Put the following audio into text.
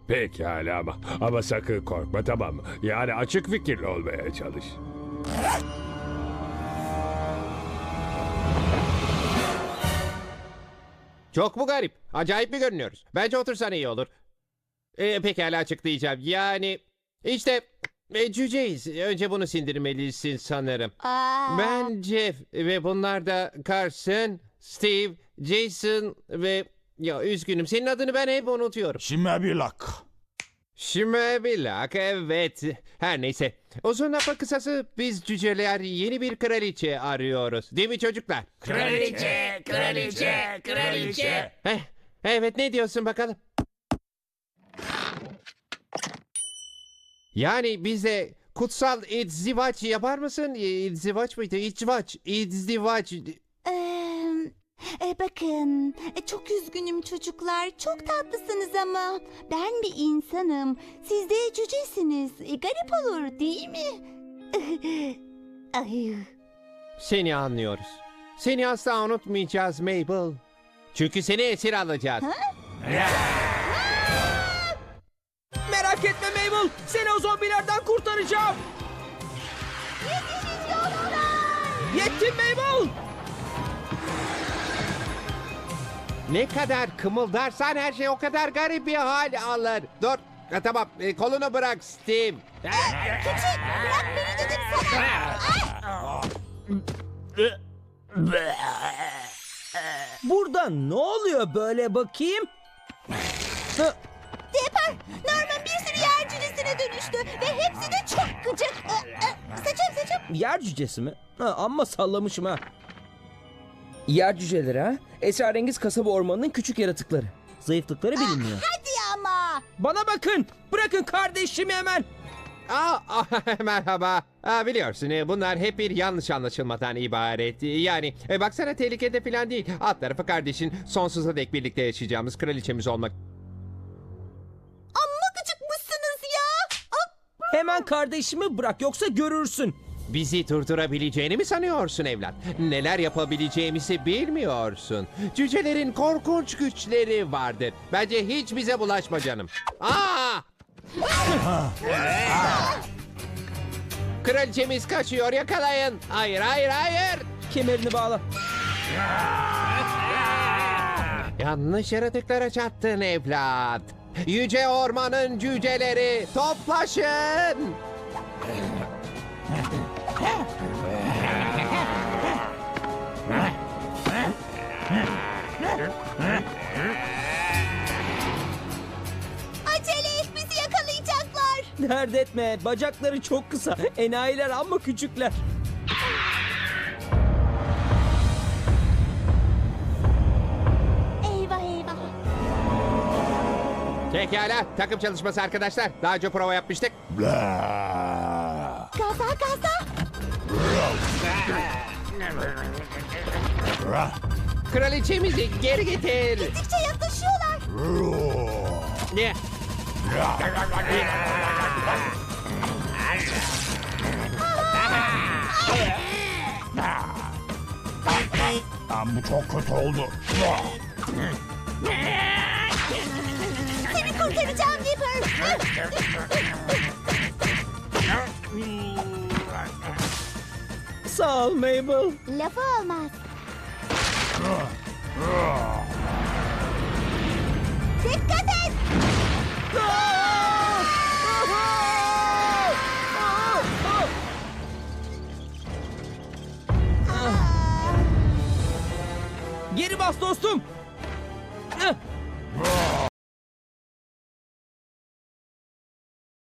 Pekala ama sakın korkma, tamam mı? Yani açık fikirli olmaya çalış. Çok mu garip? Acayip mi görünüyoruz? Bence otursan iyi olur. Pekala açıklayacağım. Yani işte cüceyiz. Önce bunu sindirmelisin sanırım. Ben Jeff ve bunlar da Carson, Steve, Jason ve... Ya üzgünüm, senin adını ben hep unutuyorum. Şimebilak. Şimebilak, evet. Her neyse. Uzun lafın kısası biz cüceler yeni bir kraliçe arıyoruz. Değil mi çocuklar? Kraliçe, kraliçe, kraliçe. Evet, ne diyorsun bakalım? Yani bize kutsal izdivaç yapar mısın? İzdivaç mıydı? İzdivaç. Bakın, çok üzgünüm çocuklar. Çok tatlısınız ama ben bir insanım. Siz de cücesiniz. Garip olur değil mi? Ay. Seni anlıyoruz. Seni asla unutmayacağız Mabel. Çünkü seni esir alacağız. Merak etme Mabel. Seni o zombilerden kurtaracağım. Yettim Mabel. Ne kadar kımıldarsan her şey o kadar garip bir hal alır. Dur. Tamam, kolunu bırak Steve. Küçük, bırak beni dedim sana. Burada ne oluyor böyle bakayım? Depar, Norman bir sürü yer cücesine dönüştü ve hepsi de çok gıcık. Saçım. Yer cücesi mi? Amma sallamışım ha. Yer cüceleri ha? Esrarengiz kasaba ormanının küçük yaratıkları. Zayıflıkları bilinmiyor. Hadi ama. Bana bakın. Bırakın kardeşimi hemen. Merhaba. Biliyorsun bunlar hep bir yanlış anlaşılmadan ibaret. Yani baksana tehlikede falan değil. Alt tarafı kardeşin sonsuza dek birlikte yaşayacağımız kraliçemiz olmak. Amma gıcıkmışsınız ya. Hemen kardeşimi bırak yoksa görürsün. Bizi durdurabileceğini mi sanıyorsun evlat? Neler yapabileceğimizi bilmiyorsun. Cücelerin korkunç güçleri vardır. Bence hiç bize bulaşma canım. Kraliçemiz kaçıyor, yakalayın. Hayır. Kemerini bağla. Yanlış yaratıklara çattın evlat. Yüce ormanın cüceleri toplaşın. Acele et, bizi yakalayacaklar. Dert etme. Bacakları çok kısa. Enayiler amma küçükler. Eyvah. Pekala, takım çalışması arkadaşlar. Daha önce prova yapmıştık. Bla. Gaza. Kraliçemizi geri getir. Gittikçe yaklaşıyorlar. Ne? Bu çok kötü oldu. Seni kurtaracağım Dipper. Sağ ol Mabel. Lafı olmaz. Dikkat et. Geri bas dostum.